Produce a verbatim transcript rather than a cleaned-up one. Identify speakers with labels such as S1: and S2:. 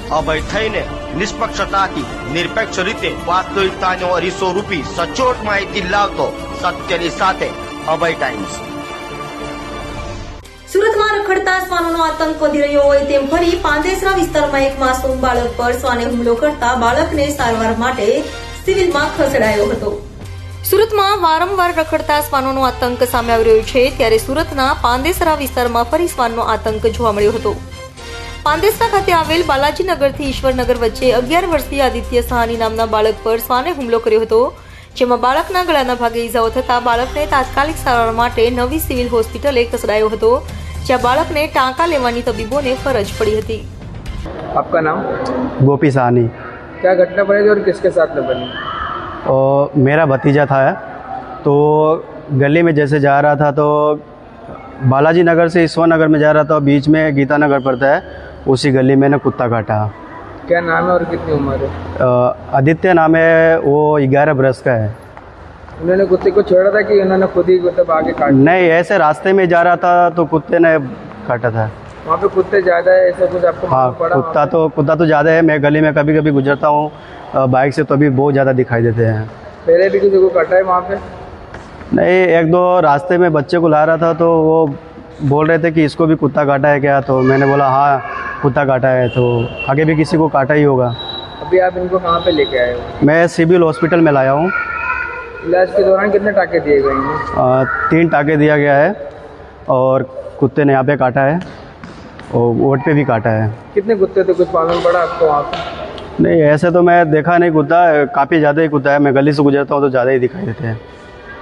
S1: અભય થઈને નિષ્પક્ષતાથી નિરપેક્ષ રીતે વાસ્તવિકતાનો અરીસો રૂપી સચોટ માહિતી લાવતો સત્યની સાથે અભય ટાઈમ્સ।
S2: સુરતમાં રખડતા શ્વાનોનો આતંક વધી રહ્યો હોય તેમ ફરી પાંદેસરા વિસ્તારમાં એક માસૂમ બાળક પર શ્વાને હુમલો કરતા બાળકને સારવાર માટે સિવિલમાં ખસેડાયો હતો। સુરતમાં વારંવાર રખડતા શ્વાનોનો આતંક સામે આવી રહ્યો છે, ત્યારે સુરતના પાંદેસરા વિસ્તારમાં ફરી શ્વાનનો આતંક જોવા મળ્યો હતો। પાંદેસરા ખાતે આવેલ બાલાજીનગરથી ઈશ્વરનગર વચ્ચે અગિયાર વર્ષીય આદિત્ય સહાની નામના બાળક પર શ્વાને હુમલો કર્યો હતો, જેમાં બાળકના ગળાના ભાગે ઈજાઓ થતા બાળકને તાત્કાલિક સારવાર માટે નવી સિવિલ હોસ્પિટલે ખસેડાયો હતો, જ્યાં બાળકને ટાંકા લેવાની તબીબોને ફરજ પડી હતી।
S3: आपका नाम?
S4: गोपी साहनी।
S3: क्या घटना बनी थी और किसके साथ में बनी?
S4: और मेरा भतीजा था, तो गली में जैसे जा रहा था तो बालाजी नगर से ईश्वर नगर में जा रहा था, बीच में गीता नगर पड़ता है, उसी गली में ना कुत्ता काटा।
S3: क्या नाम है और कितनी उम्र है?
S4: आदित्य नाम है, वो ग्यारह बरस का है।
S3: उन्होंने कुत्ते को छोड़ा था कि उन्होंने खुद ही मतलब आगे काट?
S4: नहीं, ऐसे रास्ते में जा रहा था तो कुत्ते ने काटा था।
S3: वहाँ पे कुत्ते ज़्यादा है ऐसा कुछ आपको
S4: हाँ,
S3: पड़ा?
S4: कुत्ता तो कुत्ता तो ज़्यादा है। मैं गली में कभी कभी गुजरता हूँ बाइक से, तो अभी बहुत ज़्यादा दिखाई देते हैं।
S3: पहले भी किसी को काटा है वहाँ पे?
S4: नहीं, एक दो रास्ते में बच्चे को ला रहा था तो वो बोल रहे थे कि इसको भी कुत्ता काटा है क्या, तो मैंने बोला हाँ कुत्ता काटा है, तो आगे भी किसी को काटा ही होगा।
S3: अभी आप इनको कहाँ पे लेके आए हो?
S4: मैं सिविल हॉस्पिटल में लाया हूँ।
S3: इलाज के दौरान कितने टाँके दिए गए हैं?
S4: तीन टाँके दिया गया है और कुत्ते ने यहाँ पे काटा है और वोट पे भी काटा है।
S3: कितने कुत्ते थे, कुछ मालूम पड़ा आपको वहाँ पे?
S4: नहीं, ऐसे तो मैं देखा नहीं कुत्ता, काफ़ी ज़्यादा ही कुत्ता है। मैं गली से गुजरता हूँ तो ज़्यादा ही दिखाई देते हैं।